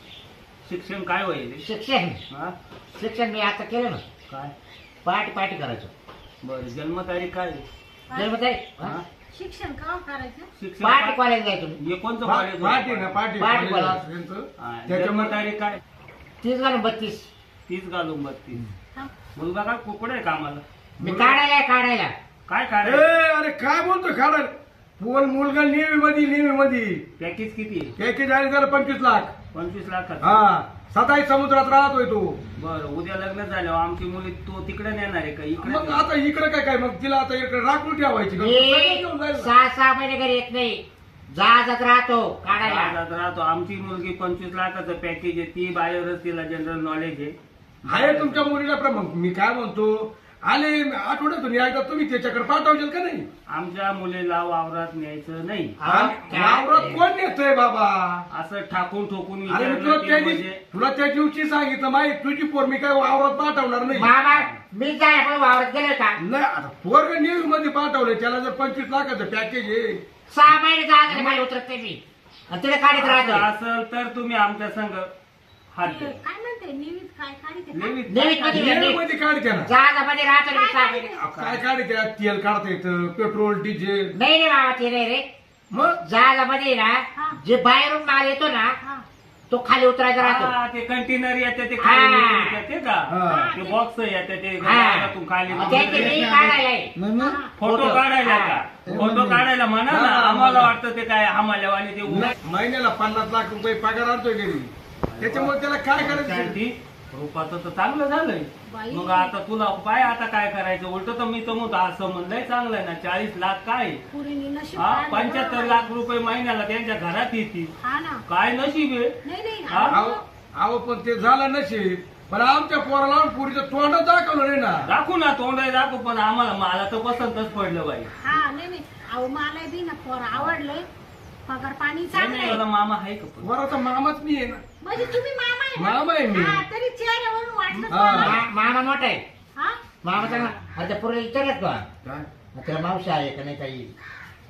Speaker 3: शिक्षण काय होईल
Speaker 4: शिक्षण
Speaker 3: हा?
Speaker 4: शिक्षण मी आता केलं ना
Speaker 3: काय
Speaker 4: पार्टी पार्टी करायचं
Speaker 3: बरं जन्मतारीख काय आहे?
Speaker 4: जन्मतारीख
Speaker 3: हा?
Speaker 2: शिक्षण का करायचं?
Speaker 3: शिक्षण
Speaker 4: पार्टी
Speaker 3: काय-
Speaker 4: कॉलेज जायचं मी.
Speaker 3: हे कोणतं
Speaker 6: पा-
Speaker 3: कॉलेज
Speaker 6: पार्टी ना पार्टी
Speaker 4: पार्टी
Speaker 6: कॉलेज
Speaker 4: कॉलेज.
Speaker 6: असं त्यांचं.
Speaker 3: हा,
Speaker 6: त्याच्यामुळे
Speaker 3: जन्मतारीख काय
Speaker 4: तीस घालून बत्तीस.
Speaker 3: तीस घालून बत्तीस.
Speaker 2: हा.
Speaker 3: मुलगा काय कुकडे आहे कामाला
Speaker 4: मी काढायला आहे, काढायला
Speaker 3: काय
Speaker 6: ए
Speaker 3: काय
Speaker 6: अरे काय बोलतो खाडा पोल मुलगा नेहमी मध्ये नेहमी मध्ये
Speaker 3: पॅकेज किती आहे?
Speaker 6: पॅकेज आहे त्याला पंचवीस लाख
Speaker 3: पंचवीस लाखाचं.
Speaker 6: हा सताई समुद्रात राहतोय तो
Speaker 3: बरं उद्या लग्न झाल्यावर आमची मुली तो तिकडे नेणार आहे का इकडे
Speaker 6: मग आता इकडे काय काय मग तिला आता इकडे राखून ठेवायची का? सगळं घेऊन
Speaker 4: मी
Speaker 6: जाईल ना.
Speaker 4: सहा सहा महिने घरी येत नाही जहाजात राहतो काढायला.
Speaker 3: राहतात राहतो. आमची मुलगी पंचवीस लाखाचं पॅकेज आहे ती बाहेरच तिला जनरल नॉलेज आहे.
Speaker 6: आहे तुमच्या मुलीला पण मग मी काय म्हणतो आले आठवड्यातून एकदा तुम्ही त्याच्याकडे पाठवशील का नाही
Speaker 3: आमच्या मुलीला वावरात न्यायचं नाही
Speaker 6: आणि वावरात कोण नेतोय बाबा
Speaker 3: असं ठाकून ठोकून
Speaker 6: अरे मी
Speaker 3: विचारलं
Speaker 6: तुला
Speaker 3: की
Speaker 6: त्या
Speaker 3: म्हणजे
Speaker 6: दिवशी तुला त्या दिवशी सांगितलं माहिती तुझी पोर मी काय वावरात पाठवणार नाही
Speaker 4: मामा मी जाय पण वावरत गेले का
Speaker 6: नाही आता पोरग न्यूज मध्ये पाठवलं त्याला जर पंचवीस लाखाचं पॅकेज आहे
Speaker 4: सहा महिने जहाजात खाली उतरत नाही मी आणि तिथे काढत
Speaker 3: असं
Speaker 4: राहतो.
Speaker 3: असेल तर तुम्ही आमच्या संघ हात
Speaker 2: ते
Speaker 3: द्या.
Speaker 2: काय म्हणते निवित काय काढते का?
Speaker 3: नेहमीच
Speaker 4: नेहमीच मध्ये
Speaker 6: न्यूज मध्ये काढते ना
Speaker 4: जहाजामध्ये राहतो मी सहा महिने.
Speaker 6: काय काढते तेल काढता येतं पेट्रोल डिझेल
Speaker 4: नाही रे बाबा ते नाही रे
Speaker 6: मग
Speaker 4: जहाजामध्ये ना
Speaker 2: हा.
Speaker 4: जे बाहेरून माल येतो ना
Speaker 2: हा.
Speaker 4: तो खाली उतरायचा राहतो.
Speaker 3: हा, ते कंटेनर येते ते
Speaker 4: हा.
Speaker 3: खाली उतरतात ते का
Speaker 6: हा.
Speaker 3: ते बॉक्स येते ते
Speaker 4: हा.
Speaker 3: घरातून खाली
Speaker 4: त्याचे मी काढायला आहे.
Speaker 1: मग मी
Speaker 3: फोटो
Speaker 4: फोटो.
Speaker 3: काढायला
Speaker 4: हा.
Speaker 3: का फोटो काढायला म्हणा ना
Speaker 6: हा.
Speaker 3: आम्हाला वाटतं ते काय हमाल्यावानी ते उभं-
Speaker 6: महिन्याला पन्नास लाख रुपये पगार आणतोय घरी त्याच्यामुळे त्याला काय करायचं
Speaker 3: शांती, रूपाचं तर चांगलं झालंय
Speaker 2: बाई.
Speaker 3: मग आता तुला पाय आता काय करायचं उलट तर मी तर म्हणतो असं म्हणलंय चांगलं आहे ना चाळीस लाख काय
Speaker 2: पुरीने नशीब
Speaker 3: हा
Speaker 2: काढलं.
Speaker 3: पंच्याहत्तर लाख रुपये महिन्याला त्यांच्या घरात येतील
Speaker 2: हा ना.
Speaker 3: काय नशीब आहे
Speaker 2: नाही नाही
Speaker 3: हा?
Speaker 6: अहो अहो पण ते झालं नशीब पण आमच्या पोराला पुरीचं तोंडच दाखवलं नाही ना
Speaker 3: दाखवू ना तोंड दाखवू पण आम्हाला मला तर पसंतच पडलं बाई
Speaker 2: हा नाही नाही अहो मला बी ना पोर आवडलंय पगार पाणी
Speaker 3: नाही,
Speaker 2: चांगलं
Speaker 3: नाही,
Speaker 2: आहे.
Speaker 3: मला मामा आहे का पण?
Speaker 6: पोराचा मामाच मी आहे ना
Speaker 2: म्हणजे तुम्ही मामा आहे ना?
Speaker 6: मामा आहे मी.
Speaker 2: हा, तरी चेहऱ्यावरून वाटलं
Speaker 6: हा.
Speaker 2: मला.
Speaker 4: मा- मामा मोठा आहे.
Speaker 2: हा
Speaker 4: मामा चांगला आता पुढे विचारत का
Speaker 6: काय
Speaker 4: त्याला मावशी आहे का नाही काही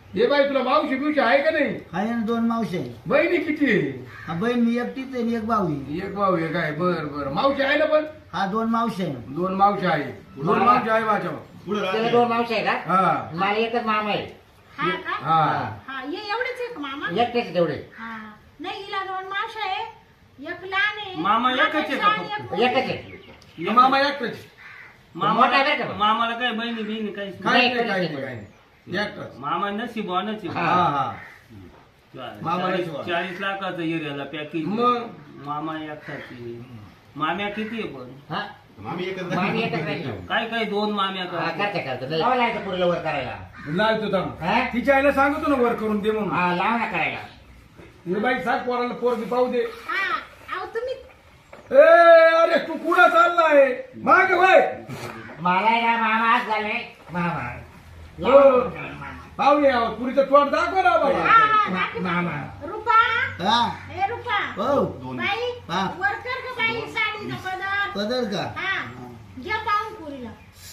Speaker 6: हे बाई तुला मावशी बिवशी आहे का नाही?
Speaker 1: आहे ना दोन मावशी आहे.
Speaker 6: बहिणी किती आहे?
Speaker 1: हा बहीण मी एकटीच आहे आणि एक भाऊ आहे.
Speaker 6: एक भाऊ एक आहे. बर बर मावशी आहे ना पण?
Speaker 1: हा दोन मावशी आहे.
Speaker 6: दोन मावशी आहे. दोन मावशी आहे माझ्या.
Speaker 5: पुढे
Speaker 4: त्याला
Speaker 5: राहते.
Speaker 4: दोन मावशी आहे का?
Speaker 6: हा
Speaker 4: मला एकच मामा आहे.
Speaker 2: हा का
Speaker 6: हा
Speaker 2: हा ये एवढेच एक मामा
Speaker 4: एकटेच आहे तेवढे.
Speaker 2: हा नाही हिला दोन मावशा आहे एक लहान आहे
Speaker 3: मामा एकच आहे का
Speaker 2: आणि
Speaker 3: फक्त?
Speaker 2: एक मोठी.
Speaker 4: एकच आहे.
Speaker 6: मामा एकटाच.
Speaker 4: मोठा
Speaker 3: मामाला
Speaker 4: आहे का?
Speaker 3: मामाला काय बहिणी बहिणी काहीच नाही.
Speaker 6: काही
Speaker 4: नाही,
Speaker 6: नाही काही
Speaker 4: नाही.
Speaker 6: नाही काही नाही. एकटाच.
Speaker 3: मामा नशीब नशीब
Speaker 6: हा हा मामा
Speaker 3: चाळीस
Speaker 6: नशीब.
Speaker 3: चाळीस लाखाचं एरियाला पॅकेज
Speaker 6: मग?
Speaker 3: मामा एकटाची माम्या किती आहे पण
Speaker 4: हा
Speaker 5: मामी एकच
Speaker 4: मामी एकच राहिली.
Speaker 3: काय काय दोन माम्या
Speaker 4: हा,
Speaker 3: का
Speaker 4: करते करते नाही लावा लावायचं पुरीला वर करायला.
Speaker 6: लावतो थांब.
Speaker 4: हा?
Speaker 6: तिच्या आईला सांगतो ना वर करून दे म्हणून.
Speaker 4: हा लावा ना करायला.
Speaker 6: हे बाई सांग पोराला पोरगी पाहू दे.
Speaker 2: हा अहो तुम्ही
Speaker 6: ए अरे तू कुठं चाललाय? माग वय
Speaker 4: मला आहे ना मामा आज झाले मामा.
Speaker 6: हो. पाहुणे आहोत पुरीचं तोंड दाखव ना बाबा.
Speaker 2: हा, हा, दाखव.
Speaker 4: मामा.
Speaker 2: रुपा
Speaker 1: हा
Speaker 2: हे रुपा
Speaker 1: हो
Speaker 2: बाई
Speaker 1: हा.
Speaker 2: वरकर का बाई साडीचा पदर
Speaker 1: पदर का
Speaker 2: हा घ्या पाहून पुरीला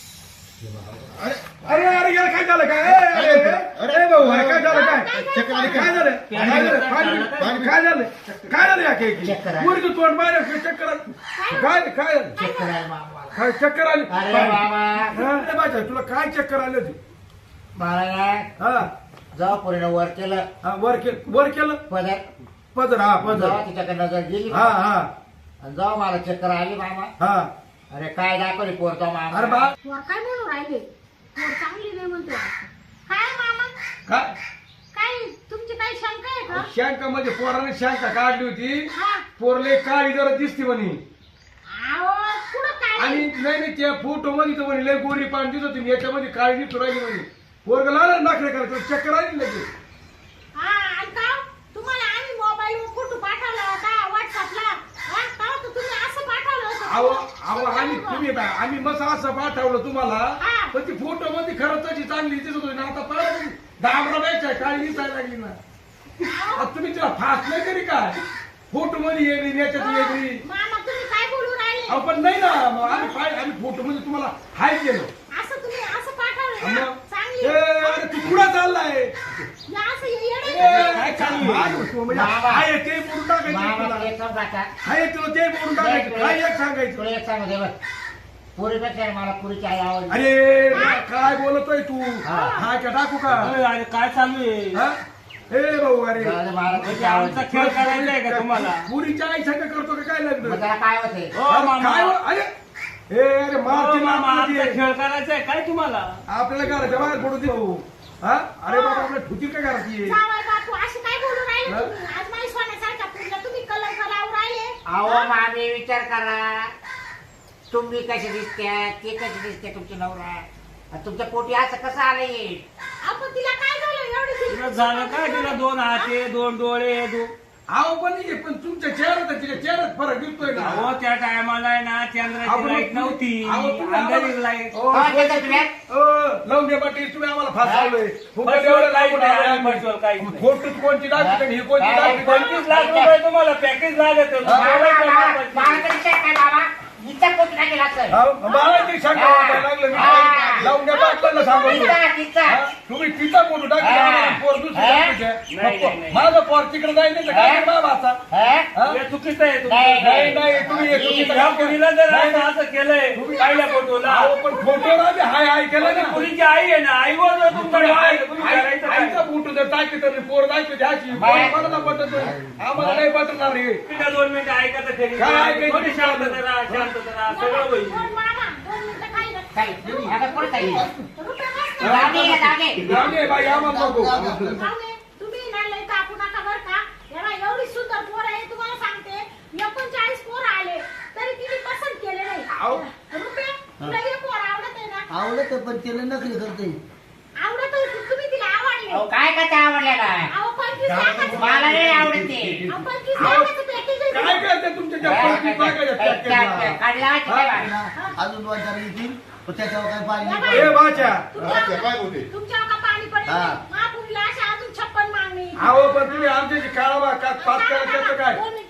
Speaker 6: अरे अरे अरे यार काय झालं काय? ए, अरे अरे ए भाऊ अरे काय झालं काय?
Speaker 5: चक्कर आली
Speaker 6: काय
Speaker 5: काय?
Speaker 6: झालं? काय झालं? काय काय झालं? काय झालं या केकी?
Speaker 4: चक्कर आली.
Speaker 6: पुरीचं तोंड बाहेर चक्कर आली. काय काय झालं?
Speaker 4: चेक करायला मामाला.
Speaker 6: काय चक्कर आली?
Speaker 4: अरे मामा
Speaker 6: हा? अरे बाजा तुला काय चक्कर आली होती?
Speaker 4: मला ना
Speaker 6: हा
Speaker 4: जेव्हा पुरीनं वर केलं
Speaker 6: हा, वर केलं वर केलं
Speaker 4: पदर
Speaker 6: पदर हा पदर
Speaker 4: जेव्हा तिच्याकडे नजर गेली
Speaker 6: हा हा
Speaker 4: आणि जेव्हा मला चक्कर आली मामा
Speaker 6: हा
Speaker 4: अरे काय दाखवली पोरचा मामा.
Speaker 6: अरे बा
Speaker 2: वर काय म्हणून राहिले वर चांगली नाही म्हणतो काय मामा
Speaker 6: काय
Speaker 2: काय तुमची काही शंका आहे का
Speaker 6: शंका म्हणजे पोराने शंका काढली होती.
Speaker 2: हा
Speaker 6: पोरले काळी जरा दिसते म्हणे
Speaker 2: अहो पुढं काय
Speaker 6: आणि नाही नाही त्या फोटो मध्ये तर म्हणे लय गोरी पाणी दिसत होती याच्यामध्ये काळी दिसू राहिली म्हणे. पोरग लाल नाकडे करायचं चक्कर आली लगेच.
Speaker 2: हा आणि का तुम्हाला आम्ही मोबाईल वर फोटो पाठवला होता व्हॉट्सअपला हा का तर तुम्ही असं पाठवलं होतं
Speaker 6: अहो अहो आम्ही तुम्ही बा- आम्ही मस्त असं पाठवलं तुम्हाला
Speaker 2: हा.
Speaker 6: पण ती फोटो मध्ये खरंच तशी चांगली दिसत होती ना आता परत दाबरा द्यायचा काळी दिसायला लागली ना. आता तुम्ही तिला फास्ट नाही करी काय फोटो मध्ये येगळी याच्यात वेगळी.
Speaker 2: मामा तुम्ही काय बोलू राहिले
Speaker 6: अहो पण नाही ना मग आम्ही पाय- आम्ही फोटो मध्ये तुम्हाला हाय केलं.
Speaker 2: असं तुम्ही असं पाठवलं ना
Speaker 6: मग
Speaker 2: चांगली
Speaker 6: ए, अरे तू कुठं चाललाय?
Speaker 2: या असं हे
Speaker 6: ए,
Speaker 2: येडं आहे का?
Speaker 6: काय चालू आहे? म्हणजे
Speaker 4: बाबा.
Speaker 6: हाय ते बोलून टाकायचं
Speaker 4: मामा
Speaker 6: तुला.
Speaker 4: तुला एक सांगू का?
Speaker 6: हाय तुला ते बोलून टाकायचं काय एक सांगायचं.
Speaker 4: तुला एक सांगू दे बघ पुरीपेक्षा मला पुरीची आई आवडली.
Speaker 6: अरे काय बोलतोय तू
Speaker 4: हा.
Speaker 6: हा का टाकू का
Speaker 3: अरे अरे, काय चालू आहे
Speaker 6: हा? ए भाऊ अरे
Speaker 4: जाऊ दे, मला पुरीची
Speaker 3: म्हणजे आमचा
Speaker 4: आवडली.
Speaker 3: खेळ करायचा आहे का तुम्हाला
Speaker 6: पुरीच्या आई संग करतो का काय
Speaker 4: मग
Speaker 6: लग्न
Speaker 4: त्याला काय होते
Speaker 3: हो मामा
Speaker 6: काय हो- अरे ए अरे
Speaker 3: हो,
Speaker 6: मारती
Speaker 3: मामा आमचा
Speaker 6: मारती
Speaker 3: खेळ करायचा आहे काय तुम्हाला
Speaker 6: आपल्याला घराच्या बाहेर पडू दे भाऊ. हा अरे बाबा आपल्या ठुती काय करायची
Speaker 2: जावई बापू अशी काय बोलू राहिले
Speaker 6: हा?
Speaker 2: तुम्ही आज माझी सोन्यासारखा पुरीला तुम्ही कलंक लावून राहिले
Speaker 4: अहो मामी विचार करा तुम्ही कशी दिसत्या ते कशी दिसते तुमची नवरा आणि तुमच्या पोटी असं कसं आलं येईल.
Speaker 2: आपण तिला काय झालं एवढी
Speaker 3: तिला झालं काय तिला दोन हाते दोन डोळे दो
Speaker 6: आहो पण नाही पण तुमच्या चेहऱ्यात तिच्या चेहऱ्यात फरक दिसतोय ना.
Speaker 3: अहो त्या टायमाला आहे ना चंद्राची
Speaker 6: आपण-
Speaker 3: लाईट नव्हती
Speaker 6: अहो, तुम्ही
Speaker 3: अंधारी
Speaker 6: आम्हाला-
Speaker 3: लाईट
Speaker 6: ओ,
Speaker 4: हा, त्याचं तुम्ही-
Speaker 6: ओ, लावून दे पाटील तुम्ही आम्हाला फासावलंय फुकट
Speaker 3: फसवलं
Speaker 6: एवढं
Speaker 3: काहीच
Speaker 6: लावून
Speaker 3: नाही,
Speaker 6: आम्ही-
Speaker 3: फसवलं काहीच नाही.
Speaker 6: खोटं कोणची दाखवते आणि ही कोणची
Speaker 4: हा,
Speaker 6: दाखवते
Speaker 3: पंचवीस लाख रुपये तुम्हाला पॅकेज लागत होतं.
Speaker 6: हा,
Speaker 3: मला काय
Speaker 4: बाबा,
Speaker 3: माहिती?
Speaker 4: मला तरी विचार काय बाबा हिच्या पोटी नाही गेला असेल.
Speaker 6: हा, मला ती शंका
Speaker 4: हा.
Speaker 6: वाटायला लागलं मी
Speaker 4: हा.
Speaker 6: काय लावून द्या टाकलं सांगतो
Speaker 4: तिचा तिचा
Speaker 6: हा? तुम्ही तिचा फोटो टाकला
Speaker 4: हा.
Speaker 6: आम्हाला पोर दुसरी
Speaker 4: हा?
Speaker 6: टाकायची.
Speaker 3: नाही, नाही, नाही.
Speaker 6: माझं पोर तिकडे जाईल नाही तर काय
Speaker 4: हा?
Speaker 6: करणार बाबा
Speaker 4: हा?
Speaker 6: हा?
Speaker 3: हे चुकीचं आहे तुमचं.
Speaker 4: नाही,
Speaker 6: नाही नाही तुम्ही हे चुकीचं
Speaker 3: या
Speaker 6: काम केलं.
Speaker 3: मुलीला जर
Speaker 6: नाही,
Speaker 3: असं
Speaker 6: नाही.
Speaker 3: असं केलंय पहिल्या फोटोला
Speaker 6: अहो, पण फोटोवर आम्ही हाय हाय केलं ना
Speaker 3: मुलीची आई आहे ना आईवर जर तुमचा
Speaker 6: तुम्ही
Speaker 3: डोळा
Speaker 6: आई-
Speaker 3: आहे, तुम्ही करायचं
Speaker 6: आई- आईचा
Speaker 3: काय?
Speaker 6: फोटो जर टाकते तर पोर दाखवते अशी
Speaker 4: बाय.
Speaker 6: कोणाला पटत नाही. आम्हाला नाही पटणार हे
Speaker 3: तिला दोन मिनिटं ऐकायचं तरी
Speaker 6: काय ऐकायचं?
Speaker 3: थोडी शांतता राहा शांतता राहा सगळं होईल
Speaker 2: दोन मामा दोन मिनिटं काय नाही.
Speaker 4: काय आता पुढे काय
Speaker 2: रुपये मस्त.
Speaker 4: जागे जागे
Speaker 6: राणे बाई आम्हाला नको
Speaker 2: जाऊ दे. तुम्ही ना लय कापू नका बरं का याला एवढी सुंदर पोर आहे तुम्हाला सांगते एकोणचाळीस पोर आले तरी तिने पसंत केले नाही
Speaker 6: आहो.
Speaker 2: रुपये तुला हे पोर आवडत आहे ना
Speaker 1: आवडत पण तिला नकली करते.
Speaker 2: आवडत होती, तुम्ही तिला आवडले
Speaker 4: अहो काय काय त्या आवडलेला
Speaker 2: अहो पंचवीस लाखाचं
Speaker 4: मला नाही
Speaker 2: package.
Speaker 4: आवडते
Speaker 2: अहो, पंचवीस
Speaker 6: अहो,
Speaker 2: लाखाचं package आहे
Speaker 6: काय
Speaker 2: तुझं.
Speaker 6: करते तुमच्या त्या पोरगी टाकायच्या पॅकेटला?
Speaker 4: काढला
Speaker 1: ना, अजून दोन चार येतील पण त्याच्यावर काय पाणी
Speaker 2: या
Speaker 1: नाही
Speaker 6: ए
Speaker 2: बाई.
Speaker 1: पडत.
Speaker 6: बाच्या
Speaker 2: तुमच्या-
Speaker 5: काय होते?
Speaker 2: तुमच्यावर का पाणी पडेल
Speaker 1: हा.
Speaker 2: महापुरीला अशा अजून छप्पन मागणी
Speaker 6: अहो पण तुम्ही आमच्याशी काळा का पाच करायचं काय
Speaker 2: दोन मिनिटं,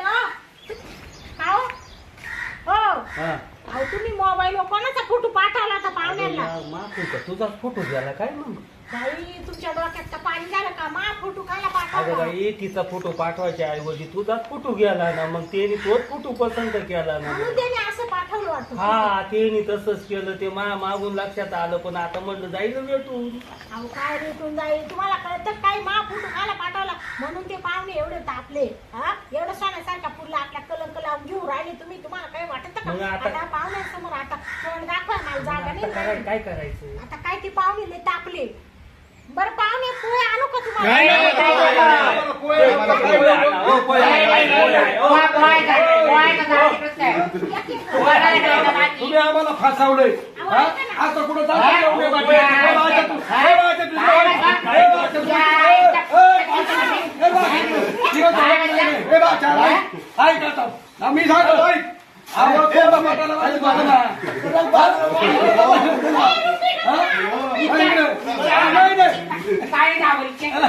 Speaker 2: हो. अहो. हो अहो तुम्ही मोबाईल वर कोणाचा फोटो पाठवला होता पाहुण्यांना
Speaker 3: तुझा तुझाच फोटो गेला काय मग
Speaker 2: बाई तुमच्या डोक्यात का पाणी झालं का मा फोटो खायला
Speaker 3: अगं
Speaker 2: पाठवला
Speaker 3: बाई तिचा फोटो पाठवायच्या ऐवजी तुझाच फोटो गेला ना मग त्याने तोच फोटो पसंत केला ना
Speaker 2: म्हणून त्याने असं पाठवलं वाटतं
Speaker 3: हा त्याने तसंच केलं ते मा मागून लक्षात आलं पण आता म्हणलं जाईल भेटून
Speaker 2: अहो काय रेटून जाईल तुम्हाला कळतं काय मा फोटो खायला पाठवला म्हणून ते पाहुणे एवढे तापले हा एवढं सोन्यासारखा पुरला आपल्या कलंक लावून घेऊन राहिले तुम्ही तुम्हाला काय वाटत
Speaker 3: मग
Speaker 2: का
Speaker 3: आता-
Speaker 2: आता पाहुण्यासमोर आता तोंड दाखवा मला जागा
Speaker 3: आता काय
Speaker 2: नाही
Speaker 3: काय करायचं
Speaker 2: आता काय ते पाहुणे लय तापले बरं पाहुणे पोहे आणू का
Speaker 6: नाही, नाही,
Speaker 2: तुम्हाला
Speaker 6: नाही, नाही, नाही, पोहे,
Speaker 3: मला
Speaker 6: पोहे,
Speaker 3: पोहे आणा, हो, पोहे आणा,
Speaker 4: नाही, नाही,
Speaker 3: पोहे आणा, हो.
Speaker 4: पोहा- पोहायचं आहे, पोहायचं आहे, तिकडंच काय?
Speaker 2: एक- एक-
Speaker 4: पोहा नाही खायचं बाकी.
Speaker 6: तुम्ही आम्हाला फासावलंय हा? असं कुठं जाऊ
Speaker 4: हा?
Speaker 6: नका, उभे बाटे.
Speaker 4: हा?
Speaker 6: हे बाच्या तू-
Speaker 4: हा?
Speaker 6: हे बाच्या तू-
Speaker 4: काय बाच्या?
Speaker 6: हे बाच्या तू-
Speaker 4: काय
Speaker 6: हे-
Speaker 4: बाच्या?
Speaker 6: हे बाच्या तू- हे बाच्या तू- तिकडं जाऊ नका. हे बाच्या, ऐक. ऐक आता. हा, मी सांगतो, ऐक. आवाज कोणता बाटाला वाजत होता ना? हा? ऐक रे. नाही, नाही.
Speaker 4: काय नाव आहे इथे?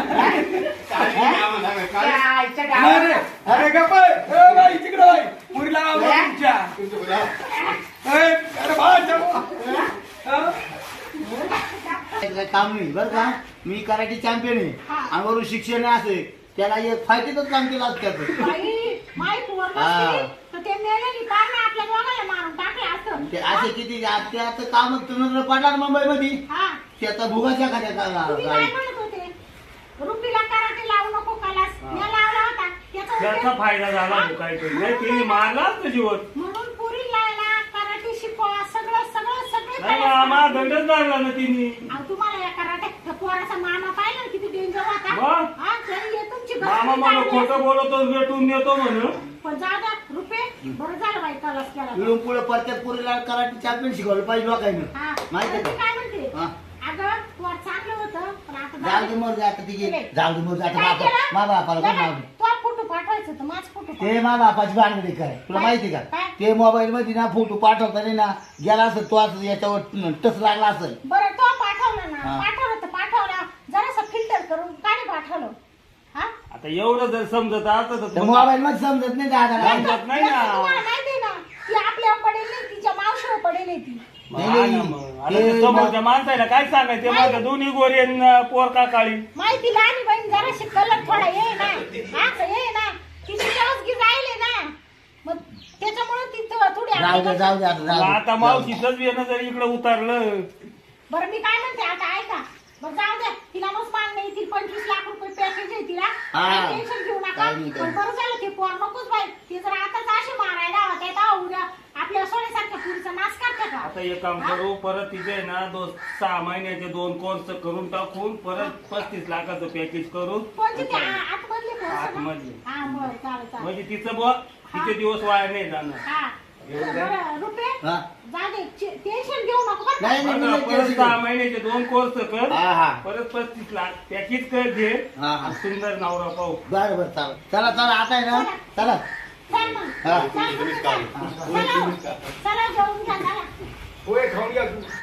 Speaker 4: काय इथे नाव?
Speaker 6: नाही रे. अरे गप्प आहे. ए बाई, तिकडं बाई. पुरीला आवडलं तुमच्या. ए, अरे बाच्या. हा?
Speaker 1: काय काम नाही बरं का मी कराटे चॅम्पियन आहे
Speaker 2: हा.
Speaker 1: आणि वरून शिक्षण असे त्याला एक फायदेच काम केलं असतं त्याचं.
Speaker 2: बाई माई पोर
Speaker 1: हा.
Speaker 2: नसती तर ते मेले की पार ना आपल्या दोघांना मारून टाकले असं
Speaker 1: ते असे किती त्याचं काम तुला पडला मुंबईमध्ये
Speaker 2: हा
Speaker 1: त्याचा भुगाच्या खात्या
Speaker 2: तुम्ही काय म्हणत होते रुपीला कराटे लावू नको कलास मी लावला होता त्याचा
Speaker 3: त्याचा
Speaker 2: उपयोग-
Speaker 3: फायदा झाला
Speaker 2: हा?
Speaker 3: तो काहीतरी नाही तिने मारलाच ना जीवन
Speaker 2: म्हणून पुरी लायला कराटे शिकवा सगळं सगळं सगळं
Speaker 3: नाही
Speaker 2: कलास
Speaker 3: आम्हा
Speaker 2: करा.
Speaker 3: दंडच लागला ना तिने
Speaker 2: अहो, तुम्हाला या कराटे त्या पोराचा मामा पाहिला ना किती डेंजर होता
Speaker 3: मग?
Speaker 2: हा त्याने हे तुमची
Speaker 3: मामा
Speaker 2: घरची
Speaker 3: मला
Speaker 2: काढली.
Speaker 3: खोटं बोलतो भेटून देतो म्हणून
Speaker 2: पण जाऊ द्या रुपये बरं झालं बाई कलास केला
Speaker 1: इकडून पुढे प्रत्येक पुरीला कराटे चॅम्पियन शिकवलं पाहिजे लोकांनी
Speaker 2: हा
Speaker 1: माहिती
Speaker 2: पण मी
Speaker 1: का
Speaker 2: काय म्हणते
Speaker 1: हा.
Speaker 2: अगं पोर चांगलं होतं पण आता
Speaker 1: जाऊ दे मर आता तिघे
Speaker 2: नाही.
Speaker 1: जाऊ दे मर आता
Speaker 2: काय
Speaker 1: बापा
Speaker 2: केलं?
Speaker 1: मा बापाला कोण नाव
Speaker 2: नाही, तो फोटो पाठवायचा तर माझ फोटो
Speaker 1: ते मा बापाची भानगडी काय तुला
Speaker 2: काय?
Speaker 1: माहिती का
Speaker 2: काय?
Speaker 1: ते मोबाईल मध्ये ना फोटो पाठवताना ना गेला असेल तो असं याच्यावर टच लागला असेल
Speaker 2: बरं तो पाठवला ना
Speaker 1: हा.
Speaker 2: पाठवलं तर पाठवला जरासं फिल्टर करून का नाही पाठवलं हा
Speaker 3: आता एवढं जर समजत असतं
Speaker 1: तर
Speaker 3: तर मग-
Speaker 1: मोबाईल मध्ये समजत नाही दादा
Speaker 3: समजत नाही ना.
Speaker 2: याचं तुम्हाला माहिती आहे ना ती आपल्यावर पडेल नाही तिच्या मावशीवर पडेल नाही ती
Speaker 3: मग हा ना मग. आता ते
Speaker 1: ते
Speaker 3: समोरच्या माणसाला काय सांगायचं ते माझ्या दोन्ही गोरी आणि, अं, पोर का काळी
Speaker 2: माहिती लहान बहीण जराशी कलर थोडा ये ना हा ये ना तिची चवसगी जायले ना मग त्याच्यामुळे ती थो- थोडी
Speaker 1: जाऊ दे
Speaker 2: आपली-
Speaker 1: जाऊ दे आता
Speaker 3: मग
Speaker 1: जाऊ दे.
Speaker 3: आता मावशीच येणं जर इकडे उतरलं
Speaker 2: बरं मी काय म्हणते आता ऐका बरं जाऊ द्या तिला नुकसान नाही ती पंचवीस लाख रुपये पॅकेज आहे तिला
Speaker 1: हा.
Speaker 2: टेन्शन घेऊ नका
Speaker 1: काही नाही, काही
Speaker 2: पण बरं झालं ते पोर नकोच बाई ते जर आताच असे मारायला होते तर उद्या आपल्या सोन्यासारख्या पुढचा नाश करते का
Speaker 3: आता एक काम करू परत तिथे आहे ना दोन सहा महिन्याचे दोन कोर्स करून टाकून परत पस्तीस लाखाचं पॅकेज करून
Speaker 2: कोणते ते आ- आतमधले कोर्स ना?
Speaker 3: आतमधले.
Speaker 2: हा बरं चालेल चालेल
Speaker 3: म्हणजे तिचं बुवा तिचे दिवस वाया नाही जाणार
Speaker 2: हा बरं रुपये
Speaker 1: हा.
Speaker 2: जा दे टेन्शन घेऊ नको बरं का?
Speaker 1: नाही नाही
Speaker 3: बघा,
Speaker 1: नाही,
Speaker 3: परत
Speaker 1: नाही,
Speaker 3: सहा
Speaker 1: नाही.
Speaker 3: महिन्याचे दोन कोर्स कर
Speaker 1: हा हा
Speaker 3: परत पस्तीस लाख पॅकेज कर घे
Speaker 1: हा, हा.
Speaker 3: सुंदर नवरा पाहू
Speaker 1: बरं बरं चालेल चला चला आता आहे ना चला
Speaker 2: चल मग
Speaker 1: हा.
Speaker 2: चल, चल, चल. चला चला जेवून घ्या चला
Speaker 6: पोहे खाऊन घ्या तू